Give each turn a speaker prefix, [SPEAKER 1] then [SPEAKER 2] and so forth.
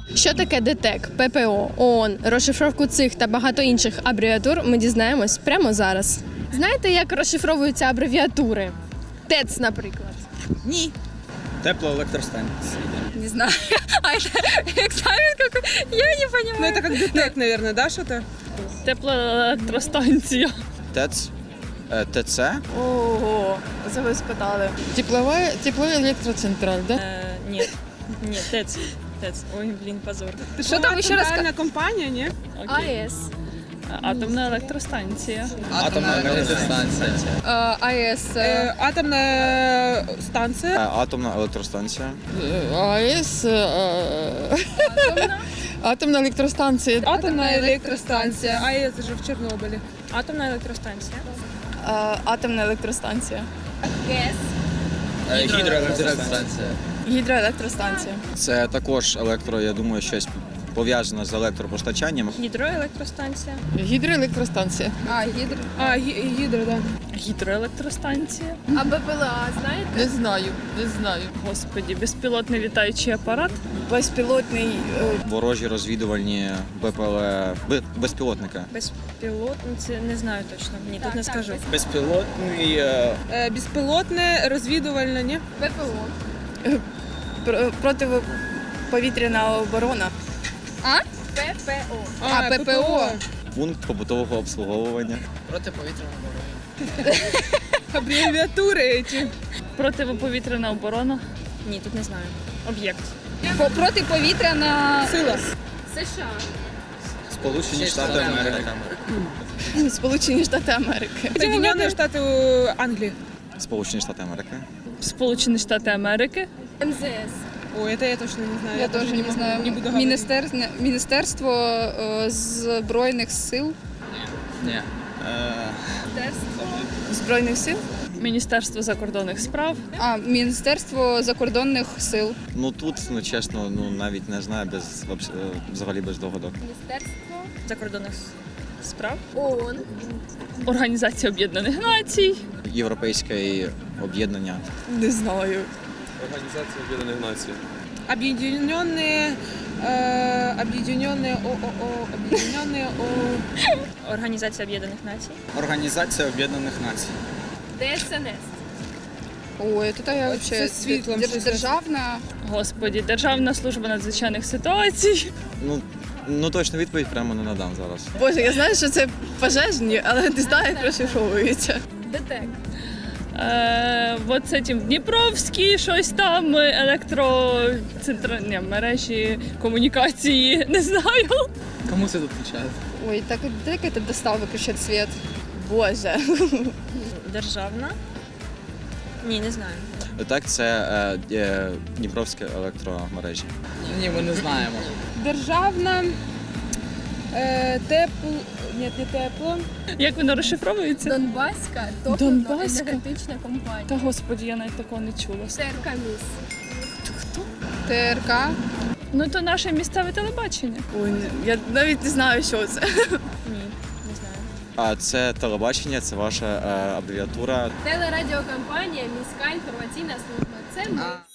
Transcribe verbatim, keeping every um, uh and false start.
[SPEAKER 1] Що таке ДТЕК, ППО, ООН, розшифровку цих та багато інших абревіатур ми дізнаємось прямо зараз. Знаєте, як розшифровуються абревіатури? ТЕЦ, наприклад.
[SPEAKER 2] Ні.
[SPEAKER 3] Теплоэлектростанция.
[SPEAKER 2] Не знаю. А это экзамен какой? Я не понимаю.
[SPEAKER 4] Ну, это как ДТЭК, наверное, да, что-то?
[SPEAKER 1] Теплоелектростанція.
[SPEAKER 3] ТЭЦ. Э, ТЦ.
[SPEAKER 1] Ого, це ви спитали.
[SPEAKER 5] Тепловая, теплоэлектроцентраль, да?
[SPEAKER 6] Э, нет, нет, ТЭЦ. ТЭЦ. Ой, блин, позор.
[SPEAKER 4] Что
[SPEAKER 2] там еще раз
[SPEAKER 4] центральная компания, не?
[SPEAKER 6] Окей.
[SPEAKER 1] АЕС.
[SPEAKER 6] Атомна електростанція.
[SPEAKER 3] Атомная электростанция.
[SPEAKER 2] АЭС.
[SPEAKER 4] Э, атомная станция.
[SPEAKER 3] Э, Атомная электростанция.
[SPEAKER 5] Э, АЭС, э, атомная электростанция.
[SPEAKER 4] Атомная электростанция. А это же в Чернобыле.
[SPEAKER 6] Атомна електростанція.
[SPEAKER 2] Атомна електростанція.
[SPEAKER 1] ГЕС.
[SPEAKER 3] Гідроелектростанція.
[SPEAKER 2] Гідроелектростанція.
[SPEAKER 3] Це також електро, я думаю, щось пов'язане з електропостачанням.
[SPEAKER 6] Гідроелектростанція.
[SPEAKER 5] Гидроэлектростанция.
[SPEAKER 2] А, гідро.
[SPEAKER 4] А, ги- гидро, да.
[SPEAKER 6] Гідроелектростанція.
[SPEAKER 1] А БПЛА, знаєте?
[SPEAKER 5] Не знаю, не знаю.
[SPEAKER 6] Господі, безпілотний літаючий апарат.
[SPEAKER 2] Безпілотний.
[SPEAKER 3] Ворожі розвідувальні БПЛ, б- безпілотники.
[SPEAKER 6] Безпілотниці, не знаю точно. Ні, тут не скажу.
[SPEAKER 3] Безпілотний.
[SPEAKER 4] Э, беспилотная, разведывальная, не?
[SPEAKER 1] ППО.
[SPEAKER 2] Протиповітряна оборона.
[SPEAKER 1] ППО.
[SPEAKER 4] А, ППО.
[SPEAKER 3] Пункт побутового обслуговування.
[SPEAKER 4] Аббревиатуры эти.
[SPEAKER 6] Противоповітряна оборона. Ні, тут не знаю. Об'єкт.
[SPEAKER 2] Протиповітряна
[SPEAKER 4] Сила.
[SPEAKER 1] США.
[SPEAKER 3] Сполучені Штати Америки.
[SPEAKER 2] Сполучені Штати Америки.
[SPEAKER 4] Соединенные Штаты э, Англии.
[SPEAKER 3] Сполучені Штати Америки.
[SPEAKER 6] Сполучені Штати Америки.
[SPEAKER 1] МЗС.
[SPEAKER 4] Ой, это я точно не знаю.
[SPEAKER 2] Я теж
[SPEAKER 4] даже
[SPEAKER 2] не
[SPEAKER 4] могу,
[SPEAKER 2] знаю.
[SPEAKER 4] Не буду говорить.
[SPEAKER 2] Міністерство, Міністерство е, Збройних сил.
[SPEAKER 3] Ні.
[SPEAKER 2] Збройних сил?
[SPEAKER 6] Міністерство закордонних справ.
[SPEAKER 2] А, Міністерство закордонних сил.
[SPEAKER 3] Ну тут, ну чесно, ну навіть не знаю, без вообще- взагалі без догадок.
[SPEAKER 1] Міністерство.
[SPEAKER 6] Закордонних справ.
[SPEAKER 1] ООН.
[SPEAKER 6] Організація Об'єднаних Націй.
[SPEAKER 3] Європейське об'єднання.
[SPEAKER 2] Не знаю.
[SPEAKER 7] Організація Об'єднаних Націй.
[SPEAKER 4] Объединенные, э, объединенные ООО, объединенные О.
[SPEAKER 6] Організація Об'єднаних Націй.
[SPEAKER 3] Організація Об'єднаних Націй.
[SPEAKER 1] ДСНС.
[SPEAKER 2] Ой, тут я
[SPEAKER 4] Ось
[SPEAKER 2] взагалі
[SPEAKER 4] це світлом
[SPEAKER 2] держ-
[SPEAKER 4] щось.
[SPEAKER 2] державна.
[SPEAKER 6] Господі, Державна служба надзвичайних ситуацій.
[SPEAKER 3] Ну, ну точно відповідь прямо не надам зараз.
[SPEAKER 2] Боже, я знаю, що це пожежні, але не знаю, як розшифровується.
[SPEAKER 1] ДТЕК.
[SPEAKER 6] Е, от це тим Дніпровський, щось там, електроцентр... Ні, мережі комунікації, не знаю.
[SPEAKER 8] Кому це відповідає?
[SPEAKER 2] Ой, так де це достав виключати світ? Боже.
[SPEAKER 6] Державна? Ні, не знаю.
[SPEAKER 3] Так, це е, е, Дніпровські електромережі.
[SPEAKER 8] Ні, ми не знаємо.
[SPEAKER 4] Державна, э, тепло, нет, не тепло.
[SPEAKER 6] Як воно розшифровується?
[SPEAKER 1] Донбаська
[SPEAKER 6] Донбаська?
[SPEAKER 1] топливно-енергетична компанія.
[SPEAKER 6] Та господі, я навіть такого не чула.
[SPEAKER 1] ТРК МІС.
[SPEAKER 2] ТРК.
[SPEAKER 6] Ну то наше місцеве телебачення.
[SPEAKER 2] Ой, я навіть не знаю, що це.
[SPEAKER 6] Ні, не знаю.
[SPEAKER 3] А це телебачення, це ваша е, абревіатура.
[SPEAKER 1] Телерадіокомпанія, міська інформаційна служба. Це ми.